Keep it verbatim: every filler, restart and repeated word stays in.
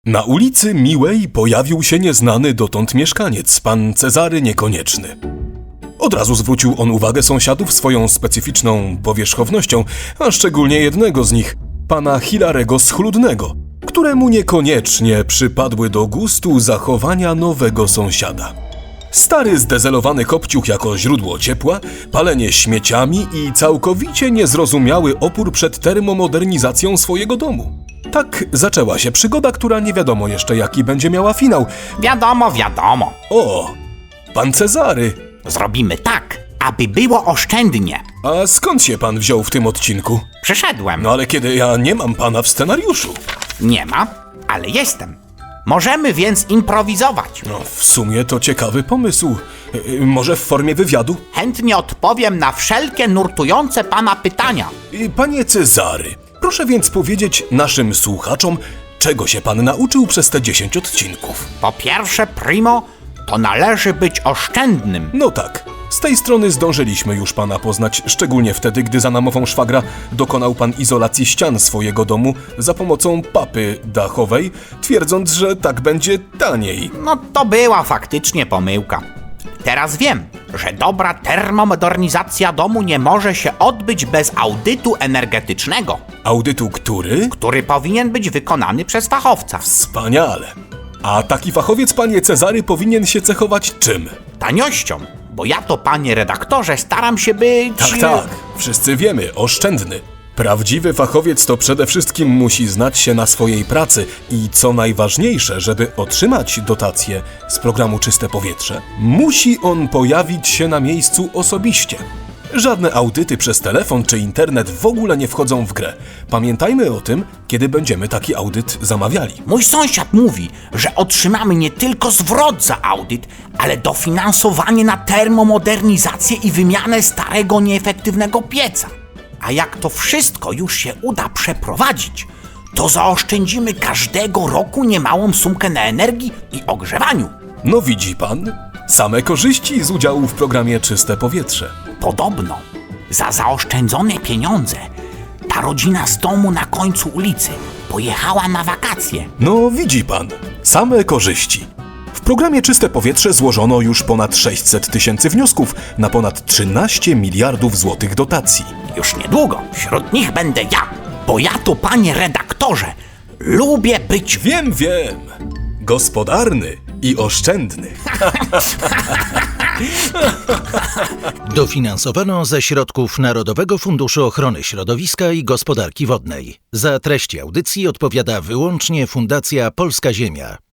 Na ulicy Miłej pojawił się nieznany dotąd mieszkaniec, pan Cezary Niekonieczny. Od razu zwrócił on uwagę sąsiadów swoją specyficzną powierzchownością, a szczególnie jednego z nich, pana Hilarego Schludnego, któremu niekoniecznie przypadły do gustu zachowania nowego sąsiada. Stary zdezelowany kopciuch jako źródło ciepła, palenie śmieciami i całkowicie niezrozumiały opór przed termomodernizacją swojego domu. Tak zaczęła się przygoda, która nie wiadomo jeszcze jaki będzie miała finał. Wiadomo, wiadomo. O, pan Cezary! Zrobimy tak, aby było oszczędnie. A skąd się pan wziął w tym odcinku? Przyszedłem. No ale kiedy ja nie mam pana w scenariuszu. Nie ma, ale jestem. Możemy więc improwizować. No, w sumie to ciekawy pomysł. Yy, może w formie wywiadu? Chętnie odpowiem na wszelkie nurtujące pana pytania. Yy, panie Cezary, proszę więc powiedzieć naszym słuchaczom, czego się pan nauczył przez te dziesięć odcinków. Po pierwsze, primo, to należy być oszczędnym. No tak, z tej strony zdążyliśmy już pana poznać, szczególnie wtedy, gdy za namową szwagra dokonał pan izolacji ścian swojego domu za pomocą papy dachowej, twierdząc, że tak będzie taniej. No to była faktycznie pomyłka. Teraz wiem, że dobra termomodernizacja domu nie może się odbyć bez audytu energetycznego, Audytu który? który powinien być wykonany przez fachowca. Wspaniale. A taki fachowiec, panie Cezary, powinien się cechować czym? Taniością, bo ja to, panie redaktorze, staram się być... Tak, tak, wszyscy wiemy, oszczędny. Prawdziwy fachowiec to przede wszystkim musi znać się na swojej pracy i co najważniejsze, żeby otrzymać dotację z programu Czyste Powietrze, musi on pojawić się na miejscu osobiście. Żadne audyty przez telefon czy internet w ogóle nie wchodzą w grę. Pamiętajmy o tym, kiedy będziemy taki audyt zamawiali. Mój sąsiad mówi, że otrzymamy nie tylko zwrot za audyt, ale dofinansowanie na termomodernizację i wymianę starego, nieefektywnego pieca. A jak to wszystko już się uda przeprowadzić, to zaoszczędzimy każdego roku niemałą sumkę na energii i ogrzewaniu. No widzi pan, same korzyści z udziału w programie Czyste Powietrze. Podobno za zaoszczędzone pieniądze ta rodzina z domu na końcu ulicy pojechała na wakacje. No widzi pan, same korzyści. W programie Czyste Powietrze złożono już ponad sześćset tysięcy wniosków na ponad trzynaście miliardów złotych dotacji. Już niedługo wśród nich będę ja, bo ja to, panie redaktorze, lubię być... Wiem, wiem. Gospodarny i oszczędny. Dofinansowano ze środków Narodowego Funduszu Ochrony Środowiska i Gospodarki Wodnej. Za treści audycji odpowiada wyłącznie Fundacja Polska Ziemia.